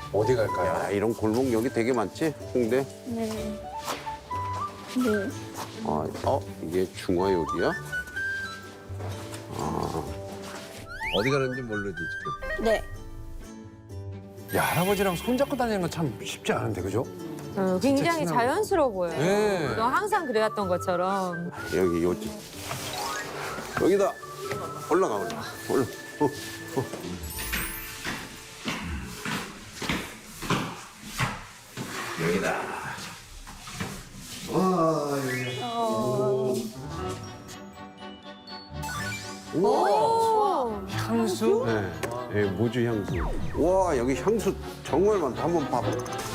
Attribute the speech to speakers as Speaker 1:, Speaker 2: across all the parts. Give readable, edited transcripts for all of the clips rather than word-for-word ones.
Speaker 1: 어디 갈까요?
Speaker 2: 야, 이런 골목 여기 되게 많지? 홍대?
Speaker 3: 네. 네.
Speaker 2: 이게 중화요리야? 어디 가는지 모르지, 지금.
Speaker 3: 네.
Speaker 1: 야, 할아버지랑 손잡고 다니는 건 참 쉽지 않은데, 그죠?
Speaker 4: 굉장히
Speaker 1: 친하고.
Speaker 4: 자연스러워 보여요.
Speaker 1: 네.
Speaker 4: 너 항상 그래왔던 것처럼.
Speaker 2: 여기, 요지. 여기다. 올라가. 여기다. 와, 여기.
Speaker 4: 오.
Speaker 1: 향수?
Speaker 2: 네. 네, 모주 향수. 와, 여기 향수 정말 많다. 한번 봐봐.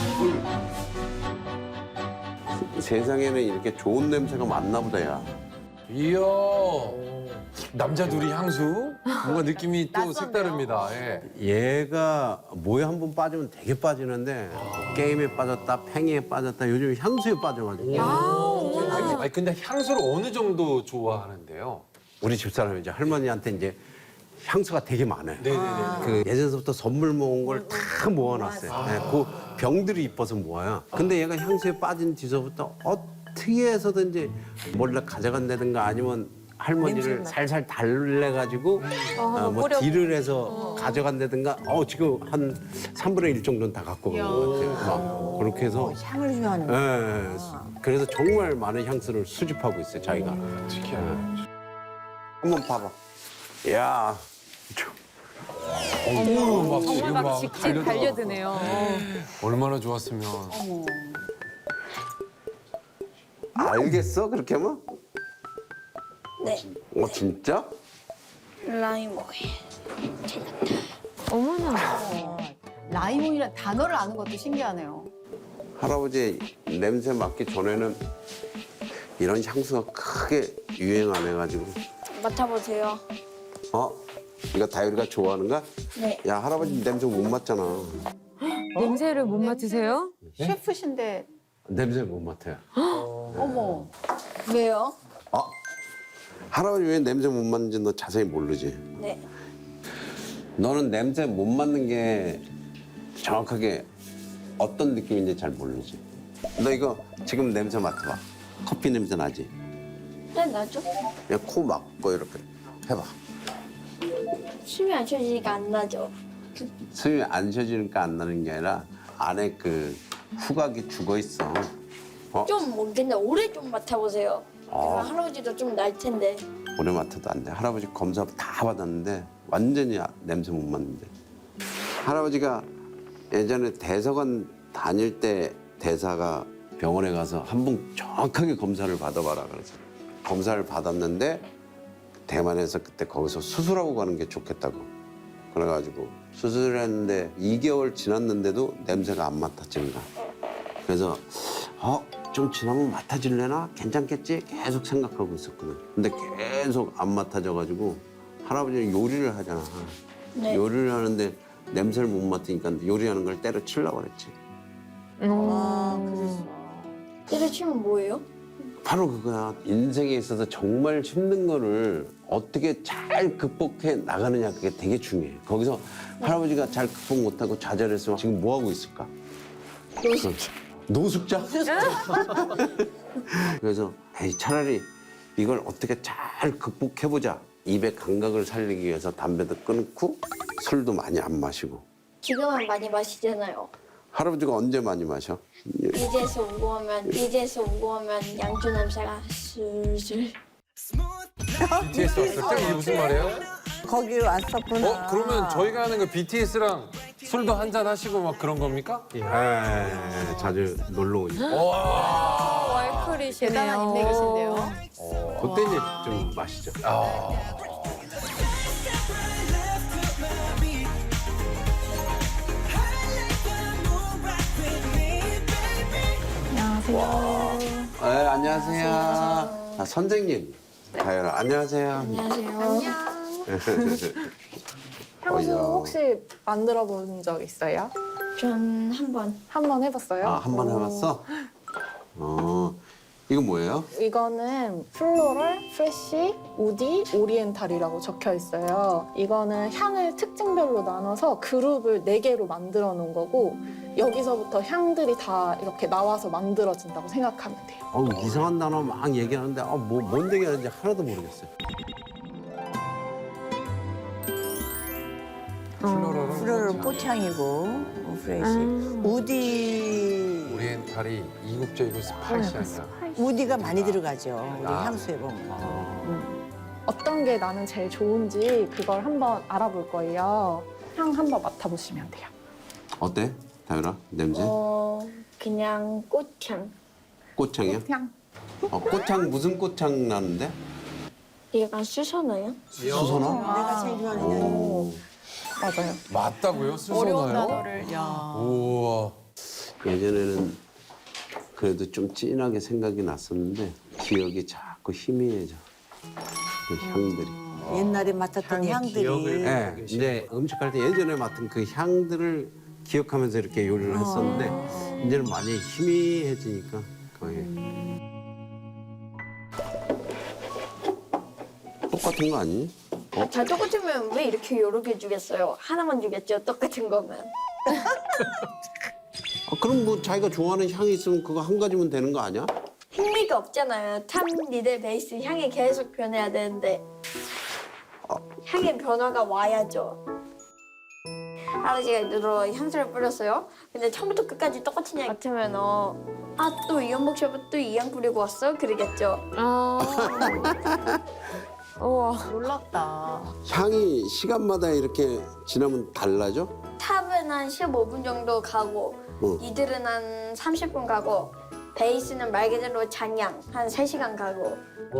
Speaker 2: 세상에는 이렇게 좋은 냄새가 많나 보다, 야.
Speaker 1: 이야. 남자 둘이 향수? 뭔가 느낌이 또 색다릅니다. 예.
Speaker 2: 얘가 뭐에 한 번 빠지면 되게 빠지는데 게임에 빠졌다, 팽이에 빠졌다, 요즘 향수에 빠져가지고.
Speaker 1: 아니, 근데 향수를 어느 정도 좋아하는데요?
Speaker 2: 우리 집사람이 이제 할머니한테 이제 향수가 되게 많아요.
Speaker 1: 네네네.
Speaker 2: 그 예전서부터 선물 모은 걸 다 모아놨어요. 네, 그 병들이 이뻐서 모아요. 근데 얘가 향수에 빠진 뒤서부터 어떻게 해서든지 몰래 가져간다든가 아니면 할머니를 살살 달래가지고 뭐
Speaker 4: 뿌려.
Speaker 2: 딜을 해서 가져간다든가 지금 한 3분의 1 정도는 다 갖고 간 것 같아요. 막 그렇게 해서
Speaker 5: 향을 좋아하는 거.
Speaker 2: 예, 그래서 정말 많은 향수를 수집하고 있어요, 자기가.
Speaker 1: 특이하네.
Speaker 2: 한번 봐봐. 야,
Speaker 4: 정말 막 직진 달려드네요.
Speaker 1: 얼마나 좋았으면.
Speaker 2: 알겠어? 그렇게 하면?
Speaker 3: 네.
Speaker 2: 진짜?
Speaker 3: 라이모이.
Speaker 4: 어머나.
Speaker 5: 라이몬이라는 단어를 아는 것도 신기하네요.
Speaker 2: 할아버지 냄새 맡기 전에는 이런 향수가 크게 유행 안 해가지고.
Speaker 3: 맡아보세요.
Speaker 2: 이거 다율이가 좋아하는가?
Speaker 3: 네.
Speaker 2: 야, 할아버지 냄새 못 맡잖아.
Speaker 4: 냄새를 못 맡으세요?
Speaker 5: 셰프신데
Speaker 2: 냄새 못 맡아요.
Speaker 5: 어머.
Speaker 3: 왜요?
Speaker 2: 할아버지 왜 냄새 못 맡는지 너 자세히 모르지?
Speaker 3: 네.
Speaker 2: 너는 냄새 못 맡는 게 정확하게 어떤 느낌인지 잘 모르지? 너 이거 지금 냄새 맡아봐. 커피 냄새 나지?
Speaker 3: 네, 나죠?
Speaker 2: 그냥 코 막고 이렇게 해봐.
Speaker 3: 숨이 안 쉬어지니까 안 나죠?
Speaker 2: 숨이 안 쉬어지니까 안 나는 게 아니라 안에 그 후각이 죽어 있어.
Speaker 3: 근데 오래 좀 맡아보세요. 할아버지도 좀 날 텐데.
Speaker 2: 오래 맡아도 안 돼. 할아버지 검사 다 받았는데 완전히 냄새 못 맡는데. 할아버지가 예전에 대사관 다닐 때 대사가 병원에 가서 한 번 정확하게 검사를 받아봐라 그래서 검사를 받았는데 대만에서 그때 거기서 수술하고 가는 게 좋겠다고 그래가지고 수술했는데 2개월 지났는데도 냄새가 안 맡아지는 거야. 그래서 좀 지나면 맡아질래나? 괜찮겠지? 계속 생각하고 있었거든. 근데 계속 안 맡아져가지고 할아버지는 요리를 하잖아.
Speaker 3: 네.
Speaker 2: 요리를 하는데 냄새를 못 맡으니까 요리하는 걸 때려치려고 그랬지.
Speaker 5: 그랬어.
Speaker 3: 때려치면 뭐예요?
Speaker 2: 바로 그거야. 인생에 있어서 정말 힘든 거를 어떻게 잘 극복해 나가느냐 그게 되게 중요해. 거기서 할아버지가 잘 극복 못하고 좌절했으면 지금 뭐 하고 있을까? 노숙자? 그래서 차라리 이걸 어떻게 잘 극복해보자. 입의 감각을 살리기 위해서 담배도 끊고 술도 많이 안 마시고.
Speaker 3: 지금은 많이 마시잖아요.
Speaker 2: 할아버지가 언제 많이 마셔?
Speaker 3: 이제서 오고 하면 양주 냄새가 술술.
Speaker 1: BTS 왔을 때? 이게 무슨 말이에요?
Speaker 6: 거기 왔었구나.
Speaker 1: 그러면 저희가 하는 거 BTS랑 술도 한잔 하시고 막 그런 겁니까?
Speaker 2: 자주 놀러 오니까.
Speaker 5: 대단한
Speaker 4: 월클이시네요.
Speaker 5: 인맥이신데요.
Speaker 2: 그때 이제 좀 마시죠. 안녕하세요. 선생님. 다현아, 안녕하세요.
Speaker 3: 안녕하세요.
Speaker 7: 향수 혹시 만들어 본 적 있어요?
Speaker 3: 전 한 번.
Speaker 7: 한 번 해봤어요?
Speaker 2: 한 번 해봤어? 이건 뭐예요?
Speaker 7: 이거는 플로럴, 프레쉬, 우디, 오리엔탈이라고 적혀 있어요. 이거는 향을 특징별로 나눠서 그룹을 4개로 만들어 놓은 거고 여기서부터 향들이 다 이렇게 나와서 만들어진다고 생각하면 돼요.
Speaker 2: 이상한 단어 막 얘기하는데 뭔 얘기하는지 하나도 모르겠어요.
Speaker 6: 플로럴 꽃향이고 프레시. 우디
Speaker 1: 오리엔탈이 이국적이고 스파이시하니까.
Speaker 6: 우디가 많이 들어가죠. 우리
Speaker 1: 아.
Speaker 6: 향수에 보면.
Speaker 7: 어떤 게 나는 제일 좋은지 그걸 한번 알아볼 거예요. 향 한번 맡아보시면 돼요.
Speaker 2: 어때? 다율아 냄새?
Speaker 3: 그냥 꽃향.
Speaker 2: 꽃향이야?
Speaker 7: 향.
Speaker 2: 꽃향 무슨 꽃향 나는데?
Speaker 3: 얘가 수선화요?
Speaker 2: 수선화?
Speaker 6: 내가 제일 좋아하는 향이.
Speaker 2: 오.
Speaker 7: 맞아요.
Speaker 1: 맞다고요? 수선화요? 우와.
Speaker 2: 예전에는 그래도 좀 진하게 생각이 났었는데 기억이 자꾸 희미해져. 그 향들이.
Speaker 6: 옛날에 맡았던 향들이.
Speaker 2: 네, 이제 음식할 때 예전에 맡은 그 향들을 기억하면서 이렇게 요리를 했었는데 이제는 많이 희미해지니까 거의 똑같은 거 아니니?
Speaker 3: 다 똑같으면 왜 이렇게 여러 개 주겠어요? 하나만 주겠죠, 똑같은 거면.
Speaker 2: 그럼 뭐 자기가 좋아하는 향이 있으면 그거 한 가지면 되는 거 아니야?
Speaker 3: 흥미가 없잖아요. 탐 니들 베이스 향이 계속 변해야 되는데 향의 변화가 와야죠. 아버지가 일부러 향수를 뿌렸어요. 근데 처음부터 끝까지 똑같은 향 같으면 또 이연복 셰프 또 이 향 뿌리고 왔어? 그러겠죠.
Speaker 4: 우와.
Speaker 5: 놀랍다.
Speaker 2: 향이 시간마다 이렇게 지나면 달라져?
Speaker 3: 탑은 한 15분 정도 가고 이들은 한 30분 가고 베이스는 말 그대로 잔향 한 3시간 가고.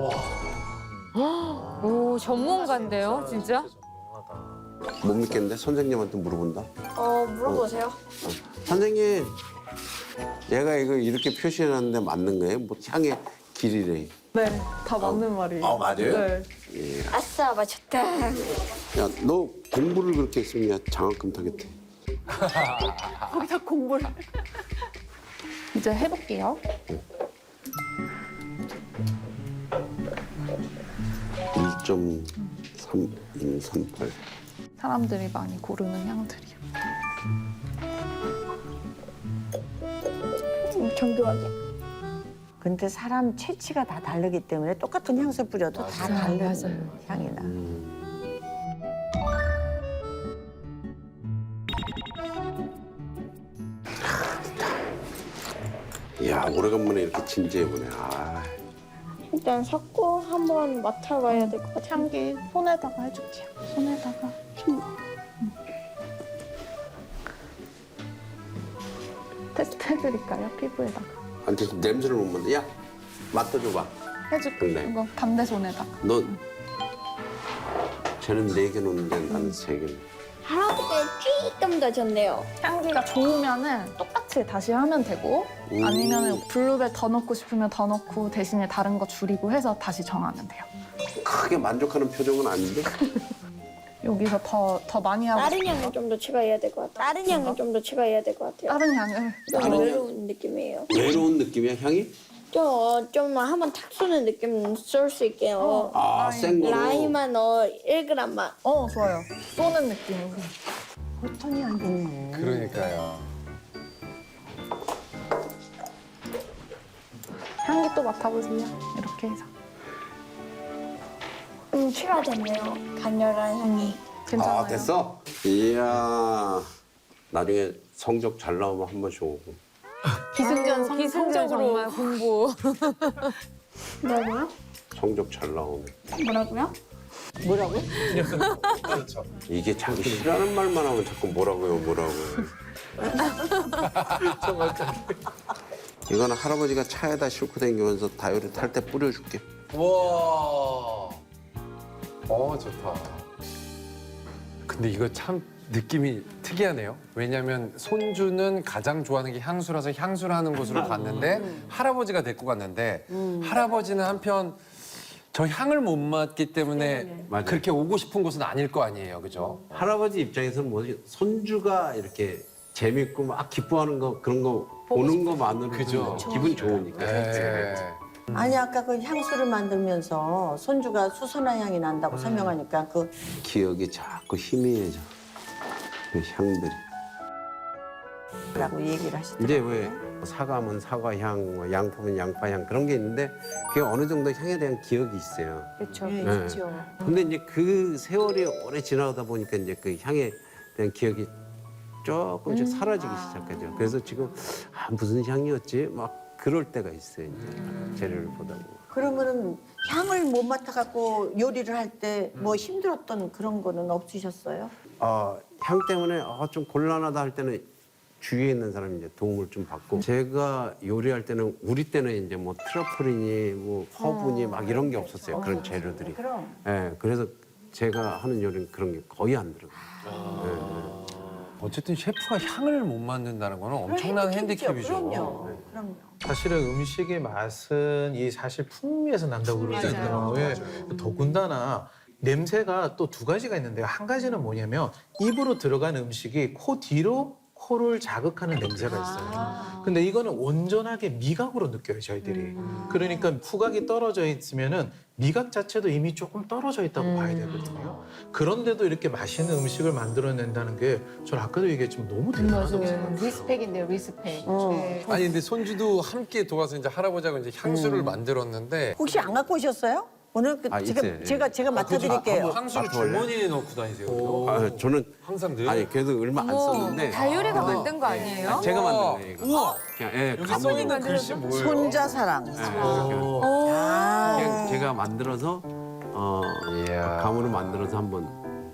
Speaker 4: 오, 전문가인데요, 진짜?
Speaker 2: 못 믿겠는데 선생님한테 물어본다.
Speaker 3: 물어보세요.
Speaker 2: 선생님, 얘가 이거 이렇게 표시해놨는데 맞는 거예요? 뭐 향의 길이래.
Speaker 7: 네, 다 맞는 말이에요.
Speaker 2: 맞아요?
Speaker 7: 네.
Speaker 3: 아싸 맞췄다.
Speaker 2: 야, 너 공부를 그렇게 했으면 야, 장학금 타겠대.
Speaker 7: 거기다 공부를. 이제 해볼게요.
Speaker 2: 1.3138.
Speaker 7: 사람들이 많이 고르는 향들이요.
Speaker 3: 정교하게.
Speaker 6: 근데 사람 체취가 다 다르기 때문에 똑같은 향수 뿌려도 다 다른
Speaker 4: 맞아요.
Speaker 6: 향이 나.
Speaker 2: 이야, 오래간만에 이렇게 진지해보네.
Speaker 3: 일단 섞고 한번 맡아봐야 될 것 같아요.
Speaker 7: 향기 손에다가 해줄게요. 손에다가. 테스트 해드릴까요? 피부에다가.
Speaker 2: 아니, 냄새를 못 맡는데. 야, 맡아줘봐.
Speaker 7: 해줄게요.
Speaker 2: 그래.
Speaker 7: 이거 반대손에다가.
Speaker 2: 너, 쟤는 4개 놓는데 나는 3개.
Speaker 3: 할아버지가 조금 더 좋네요.
Speaker 7: 향기가 좋으면은 똑같이 다시 하면 되고 아니면 블루벨 더 넣고 싶으면 더 넣고 대신에 다른 거 줄이고 해서 다시 정하면 돼요.
Speaker 2: 크게 만족하는 표정은 아닌데?
Speaker 7: 여기서 더 많이 하고
Speaker 3: 다른 향을 좀 더 추가해야 될 것 같아요. 다른 향을 좀 더 추가해야 될 것 같아요.
Speaker 7: 다른 향을
Speaker 3: 좀
Speaker 2: 다른
Speaker 3: 외로운 느낌이에요.
Speaker 2: 외로운 느낌이야, 향이?
Speaker 3: 좀 한번 탁 쏘는 느낌 쏠 수 있게요.
Speaker 2: 센 거로.
Speaker 3: 라임만 1g만.
Speaker 7: 좋아요. 쏘는 느낌으로.
Speaker 6: 보통이 아니네.
Speaker 1: 그러니까요.
Speaker 7: 향기 또 맡아보세요. 이렇게 해서.
Speaker 3: 추가됐네요. 강렬한 향이.
Speaker 7: 괜찮아요?
Speaker 2: 됐어? 이야, 나중에 성적 잘 나오면 한 번씩 오고.
Speaker 4: 기승전 정말 공부.
Speaker 3: 뭐라고요?
Speaker 2: 성적 잘 나오면.
Speaker 3: 뭐라고요?
Speaker 6: 뭐라고?
Speaker 2: 이게 자기 싫어하는 말만 하면 자꾸 뭐라고요. 이거는 할아버지가 차에다 싣고 다니면서 다이어리 탈 때 뿌려줄게.
Speaker 1: 와. 좋다. 근데 이거 참 느낌이 특이하네요. 왜냐면 손주는 가장 좋아하는 게 향수라서 향수를 하는 곳으로 갔는데 할아버지가 데리고 갔는데 할아버지는 한편 저 향을 못 맡기 때문에
Speaker 2: 맞아요.
Speaker 1: 그렇게 오고 싶은 곳은 아닐 거 아니에요. 그죠?
Speaker 2: 할아버지 입장에서는 뭐지? 손주가 이렇게 재밌고 막 기뻐하는 거 그런 거 보는 것만으로도
Speaker 1: 그죠.
Speaker 2: 기분 좋으니까.
Speaker 1: 네.
Speaker 6: 아니 아까 그 향수를 만들면서 손주가 수선화 향이 난다고 설명하니까 그
Speaker 2: 기억이 자꾸 희미해져. 그 향들이.
Speaker 6: 라고 얘기를 하시더라고요.
Speaker 2: 이제 왜 사과면 사과향, 뭐 양파면 양파향 그런 게 있는데 그게 어느 정도 향에 대한 기억이 있어요.
Speaker 4: 그렇죠.
Speaker 6: 예,
Speaker 2: 네.
Speaker 6: 있죠.
Speaker 2: 근데 이제 그 세월이 오래 지나다 보니까 이제 그 향에 대한 기억이 조금씩 사라지기 시작하죠. 그래서 지금 무슨 향이었지? 막 그럴 때가 있어요. 이제 재료를 보다 보면.
Speaker 6: 그러면은 향을 못 맡아갖고 요리를 할 때 뭐 힘들었던 그런 거는 없으셨어요?
Speaker 2: 향 때문에 좀 곤란하다 할 때는 주위에 있는 사람이 이제 도움을 좀 받고 제가 요리할 때는 우리 때는 이제 뭐 트러플이니 뭐 허브니 막 이런 게 없었어요. 그런 재료들이.
Speaker 6: 그럼.
Speaker 2: 예, 그래서 제가 하는 요리는 그런 게 거의 안 들어가요.
Speaker 1: 어쨌든 셰프가 향을 못 맡는다는 거는 엄청난 핸디캡이죠.
Speaker 6: 그럼요. 그럼요.
Speaker 8: 사실은 음식의 맛은 이 사실 풍미에서 난다고 그러잖아요. 예. 더군다나 냄새가 또 두 가지가 있는데요. 한 가지는 뭐냐면 입으로 들어간 음식이 코 뒤로 코를 자극하는 냄새가 있어요. 근데 이거는 온전하게 미각으로 느껴요, 저희들이. 그러니까 후각이 떨어져 있으면은 미각 자체도 이미 조금 떨어져 있다고 봐야 되거든요. 그런데도 이렇게 맛있는 음식을 만들어낸다는 게 저는 아까도 얘기했지만 너무 대단하다고 생각해요.
Speaker 5: 리스펙인데요, 리스펙. 네.
Speaker 1: 아니 근데 손주도 함께 도와서 이제 할아버지하고 이제 향수를 만들었는데
Speaker 6: 혹시 안 갖고 오셨어요? 오늘 그
Speaker 2: 있어요.
Speaker 6: 제가 맡아드릴게요.
Speaker 1: 향수를
Speaker 2: 맡아볼래요?
Speaker 1: 주머니에 넣고 다니세요.
Speaker 2: 저는
Speaker 1: 항상 늘.
Speaker 2: 아니 그래도 얼마 안 썼는데
Speaker 4: 다유리가 만든 거 아니에요?
Speaker 2: 제가 만든 거예요. 이거.
Speaker 1: 우와.
Speaker 2: 그냥, 예,
Speaker 1: 여기
Speaker 2: 감으로.
Speaker 1: 써 있는 글씨 뭐예요?
Speaker 6: 손자 사랑.
Speaker 2: 그냥 제가 만들어서
Speaker 1: 이야.
Speaker 2: 감으로 만들어서 한번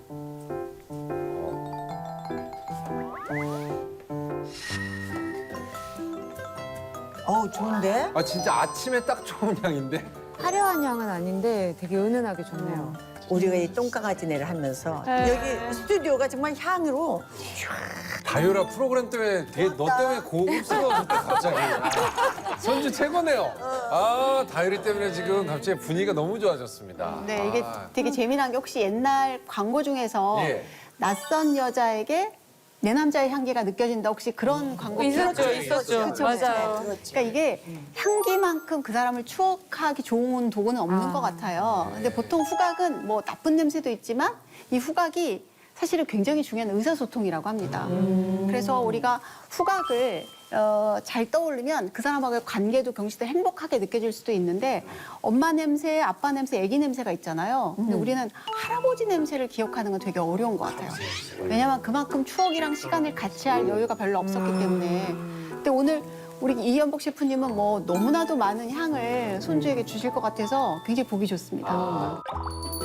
Speaker 6: 좋은데?
Speaker 1: 아 진짜 아침에 딱 좋은 향인데.
Speaker 4: 화려한 향은 아닌데 되게 은은하게 좋네요.
Speaker 6: 우리가 이 똥강아지네를 하면서 여기 스튜디오가 정말 향으로
Speaker 1: 다유라 프로그램 때문에 되게 너 때문에 고급스러워졌다 갑자기. 손주 최고네요. 아 다유리 때문에 지금 갑자기 분위기가 너무 좋아졌습니다.
Speaker 5: 네, 이게 되게 재미난 게 혹시 옛날 광고 중에서
Speaker 1: 예.
Speaker 5: 낯선 여자에게 내 남자의 향기가 느껴진다. 혹시 그런 광고
Speaker 4: 있었죠,
Speaker 5: 들었죠?
Speaker 4: 있었죠.
Speaker 5: 그쵸,
Speaker 4: 맞아요.
Speaker 5: 그러니까 이게 향기만큼 그 사람을 추억하기 좋은 도구는 없는 것 같아요. 근데 보통 후각은 뭐 나쁜 냄새도 있지만 이 후각이 사실은 굉장히 중요한 의사소통이라고 합니다. 그래서 우리가 후각을 잘 떠오르면 그 사람하고의 관계도 경치도 행복하게 느껴질 수도 있는데 엄마 냄새, 아빠 냄새, 아기 냄새가 있잖아요. 근데 우리는 할아버지 냄새를 기억하는 건 되게 어려운 것 같아요. 왜냐하면 그만큼 추억이랑 시간을 같이 할 여유가 별로 없었기 때문에. 근데 오늘 우리 이연복 셰프님은 뭐 너무나도 많은 향을 손주에게 주실 것 같아서 굉장히 보기 좋습니다.